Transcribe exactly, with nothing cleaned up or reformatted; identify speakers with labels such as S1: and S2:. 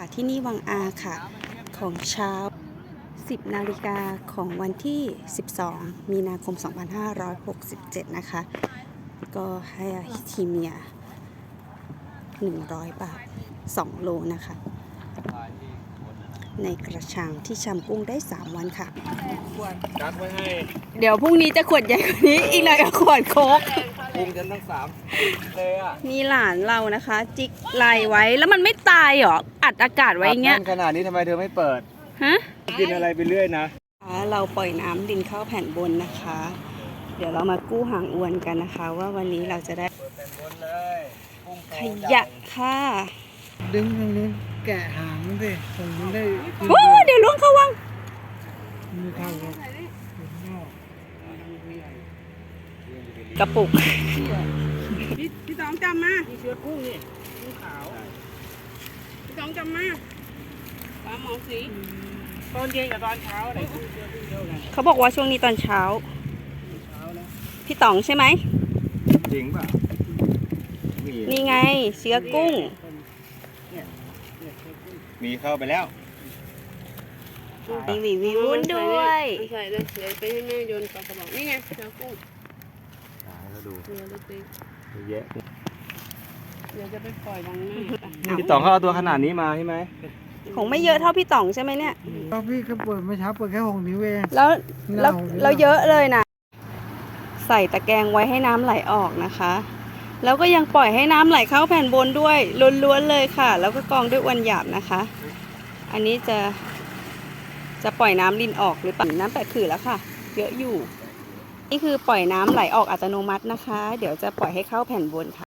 S1: ที่นี่วังอาค่ะ ของเช้า สิบนาฬิกาของวันที่ สิบสอง มีนาคม สองพันห้าร้อยหกสิบเจ็ด นะคะ ก็ให้ทีเมีย หนึ่งร้อย บาท สอง โลนะคะ ในกระชังที่ชำกุ้งได้ สาม วันค่ะ
S2: กักไว้ให้
S1: เดี๋ยวพรุ่งนี้จะขวดใหญ่กว่านี้ อีกหน่อยก็ขวดโค้ก
S2: ปรุงกันทั้งสามเลยอ่ะ
S1: นี่หลานเรานะคะ จิกไลไว้แล้วมันไม่ตายหรอ อัดอากาศไว้อย่างเงี้ย
S2: ขนาดนี้ทำไมเธอไม่เปิด
S1: ฮะ
S2: กินอะไรไปเรื่อยนะ
S1: เราปล่อยน้ำดินเข้าแผ่นบนนะคะ เดี๋ยวเรามากู้หางอวนกันนะคะ ว่าวันนี้เราจะได้
S2: เปิดเป็นบนเลยกุ้งโต
S1: ขยะค่ะ
S3: ดึงตรงนู้นแกะหางสิตรงนู้นได้
S1: โอ้เดี๋ยวล้วงเข้าวัง
S3: ไม่เข้าครับนอก
S1: กระปุก
S4: พี่พี่ตองจำมา
S3: นี่เชื้อกุ้งนี่กุ้งขาว
S4: พี่ตองจำมาปลาหมอสี
S3: ตอนเย็นกับตอนเช้าไหนเชื้อกุ้งเท่ากัน
S1: เขาบอกว่าช่วงนี้ตอนเช้า
S3: เช้านะ
S1: พี่ต๋องใช่ไหม
S2: จริงป่ะมี
S1: นี่ไงเชื้อกุ้ง
S2: มีเข้าไปแล้ว
S1: มีวิววิวด้วย
S4: ใส่เลยเดี๋ยวไปให้แม่โยนปลากระบอกนี่ไงเจ้ากุ้ง
S2: ให้ดู
S4: เรือเล็ก
S2: เยอะแยะ
S4: ๆเดี๋ยวจะไปปล่อยดังหน้า
S2: พี่ต๋องเขาเอาตัวขนาดนี้มาใช่ไหม
S1: คงไม่เยอะเท่าพี่ต๋องใช่ไหมเนี่ย
S3: ก็พี่ก็เปิดเมื่อเช้าเปิดแค่หกนิ้วเอง
S1: แล้วแล้ว
S3: เน่าเลย
S1: แล้วเยอะเลยนะ ใส่ตะแกรงไว้ให้น้ำไหลออกนะคะ แล้วก็ยังปล่อยให้น้ำไหลเข้าแผ่นบนด้วยล้วนๆเลยค่ะ แล้วก็กรองด้วยอวนหยาบนะคะ อันนี้จะจะปล่อยน้ำลินออกหรือเปล่าน้ำแปดขื่อแล้วค่ะ เยอะอยู่ นี่คือปล่อยน้ำไหลออกอัตโนมัตินะคะ เดี๋ยวจะปล่อยให้เข้าแผ่นบนค่ะ